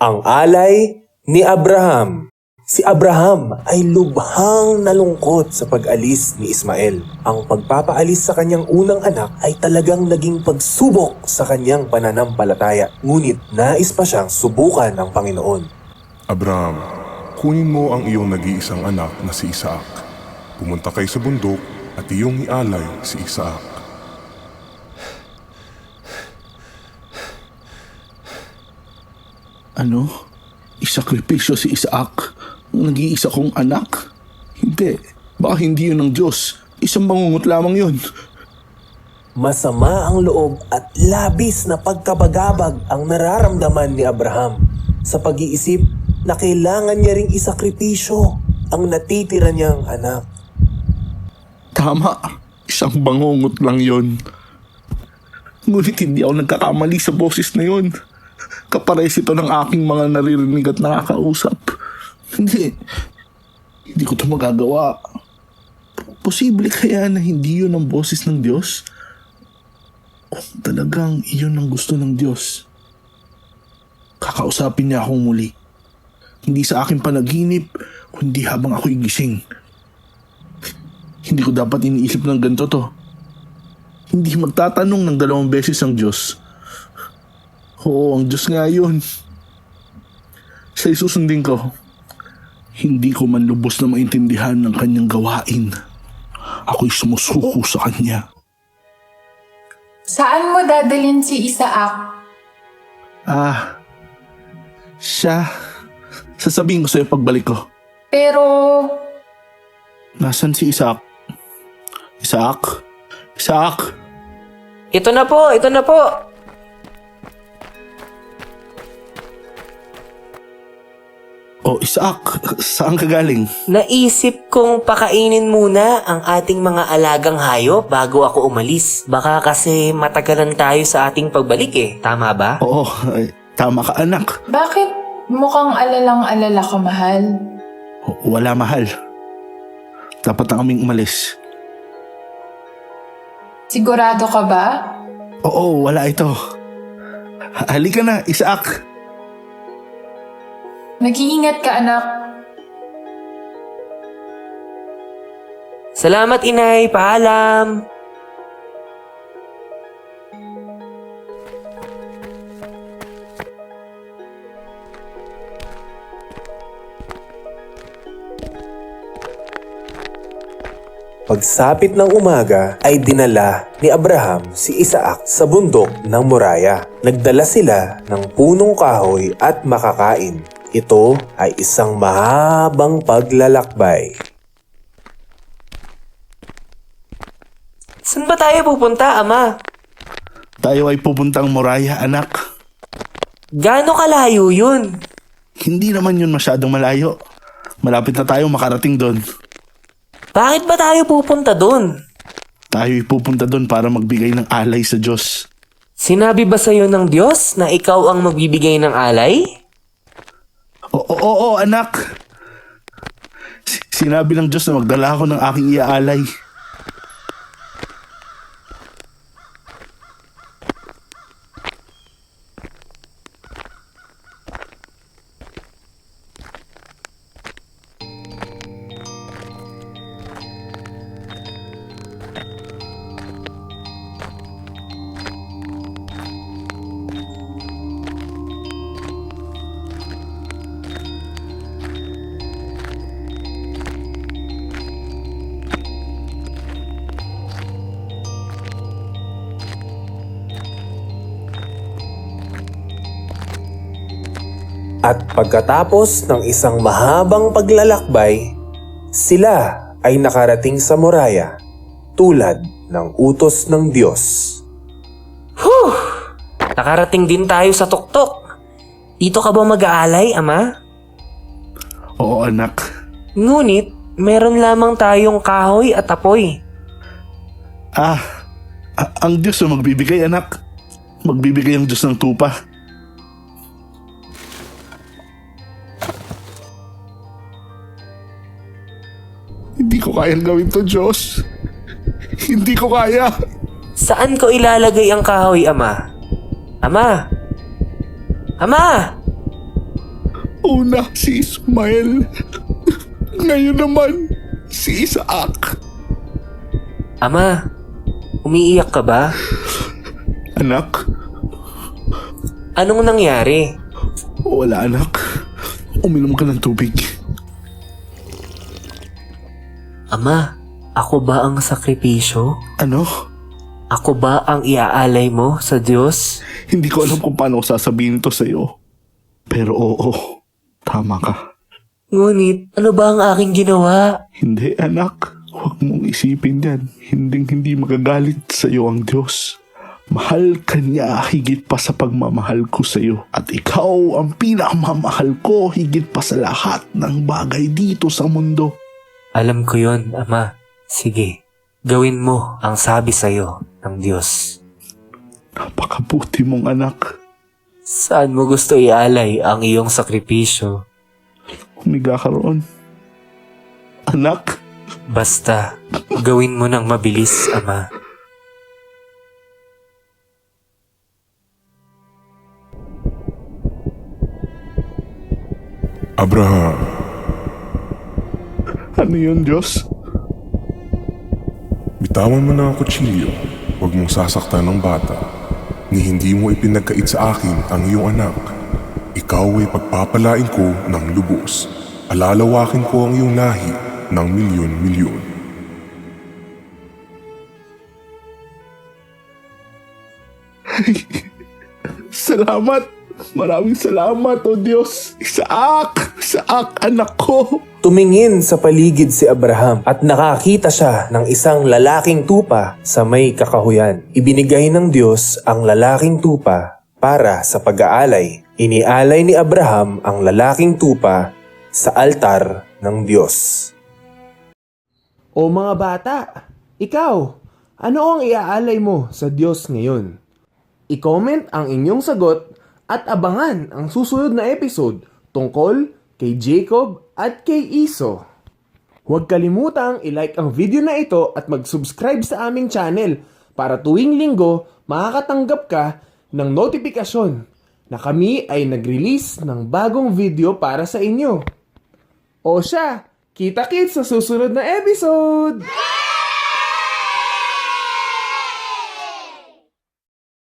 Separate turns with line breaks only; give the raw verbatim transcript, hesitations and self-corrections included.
Ang alay ni Abraham. Si Abraham ay lubhang nalungkot sa pag-alis ni Ismael. Ang pagpapaalis sa kanyang unang anak ay talagang naging pagsubok sa kanyang pananampalataya. Ngunit nais pa siyang subukan ng Panginoon.
Abraham, kunin mo ang iyong nag-iisang anak na si Isaac. Pumunta kayo sa bundok at iyong ialay si Isaac.
Ano? Isakripisyo si Isaac? Ang nag-iisa kong anak? Hindi. Baka hindi yun ng Diyos. Isang bangungot lamang yun.
Masama ang loob at labis na pagkabagabag ang nararamdaman ni Abraham sa pag-iisip na kailangan niya ring isakripisyo ang natitira niyang anak.
Tama. Isang bangungot lang yun. Ngunit hindi ako nagkakamali sa boses na yun. Kapares ito ng aking mga naririnig at nakakausap. Hindi. Hindi ko ito magagawa. Posible kaya na hindi yun ang boses ng Diyos? Kung talagang iyon ang gusto ng Diyos, kakausapin niya akong muli. Hindi sa aking panaginip, kundi habang ako'y gising. Hindi ko dapat iniisip ng ganito to. Hindi magtatanong ng dalawang beses ang Diyos. Oo, ang Diyos nga yun. Sa isusundin ko, hindi ko man lubos na maintindihan ng kanyang gawain. Ako'y sumusuko sa kanya.
Saan mo dadalhin si Isaac?
Ah, siya. Sasabihin ko sa'yo pagbalik ko.
Pero,
Nasaan si Isaac? Isaac? Isaac?
Ito na po, ito na po.
Oh, Isaac, saan ka galing?
Naisip kong pakainin muna ang ating mga alagang hayop bago ako umalis. Baka kasi matagalan tayo sa ating pagbalik eh. Tama ba?
Oo, ay, tama ka anak.
bakit mukhang alalang-alala ka, mahal?
Wala mahal. Dapat na kaming umalis.
Sigurado ka ba?
Oo, wala ito. Halika na, Isaac.
Mag-iingat ka, anak.
Salamat, inay. Paalam.
Pagsapit ng umaga ay dinala ni Abraham si Isaac sa bundok ng Moraya. Nagdala sila ng punong kahoy at makakain. Ito ay isang mahabang paglalakbay.
Saan ba tayo pupunta, Ama?
Tayo ay pupuntang Moraya, anak.
Gaano kalayo yun?
Hindi naman yun masyadong malayo. Malapit na tayo makarating doon.
Bakit ba tayo pupunta doon?
Tayo ay pupunta doon para magbigay ng alay sa Diyos.
Sinabi ba sa'yo ng Diyos na ikaw ang magbibigay ng alay?
Oo, oo, oo, anak. S- Sinabi ng Diyos na magdala ako ng aking iaalay.
At pagkatapos ng isang mahabang paglalakbay, sila ay nakarating sa Moraya tulad ng utos ng Diyos.
Whew! Nakarating din tayo sa tuktok. Dito ka ba mag-aalay, Ama?
Oo, anak.
Ngunit, meron lamang tayong kahoy at apoy.
Ah, a- ang Diyos ang magbibigay, anak. Magbibigay ang Diyos ng tupa. Hindi ko kayang gawin to, Diyos. Hindi ko kaya.
Saan ko ilalagay ang kahoy, Ama? Ama! Ama!
Una si Ismael. Ngayon naman si Isaac.
Ama, umiiyak ka ba?
Anak,
Anong nangyari?
wala anak. Uminom ka ng tubig.
Ama, ako ba ang sakripisyo?
Ano?
Ako ba ang iaalay mo sa Diyos?
Hindi ko alam kung paano ko sasabihin to sa'yo. Pero oo, tama ka.
Ngunit, ano ba ang aking ginawa?
Hindi anak, huwag mong isipin yan. Hinding hindi magagalit sa'yo ang Diyos. Mahal ka niya higit pa sa pagmamahal ko sa'yo. At ikaw ang pinakamamahal ko higit pa sa lahat ng bagay dito sa mundo.
Alam ko yon, Ama. Sige, gawin mo ang sabi sa'yo ng Diyos.
Napakabuti mong anak.
Saan mo gusto ialay ang iyong sakripisyo?
Humiga ka roon. Anak,
Basta, gawin mo ng mabilis, Ama.
Abraham,
ano yun Diyos?
bitawan mo na ang kutsilyo. Huwag mong sasaktan ng bata. Ni hindi mo ipinagkait sa akin ang iyong anak. Ikaw ay pagpapalain ko ng lubos. Alalawakin ko ang iyong lahi ng milyon-milyon.
Salamat! Maraming salamat, O Diyos! Isaac! Isaac, anak ko!
Tumingin sa paligid si Abraham at nakakita siya ng isang lalaking tupa sa may kakahuyan. Ibinigay ng Diyos ang lalaking tupa para sa pag-aalay. Inialay ni Abraham ang lalaking tupa sa altar ng Diyos.
O mga bata, ikaw, ano ang iaalay mo sa Diyos ngayon? I-comment ang inyong sagot at abangan ang susunod na episode tungkol kay Jacob at kay Iso. Huwag kalimutang i-like ang video na ito at mag-subscribe sa aming channel para tuwing linggo makakatanggap ka ng notifikasyon na kami ay nag-release ng bagong video para sa inyo. O siya, kita-kits sa susunod na episode!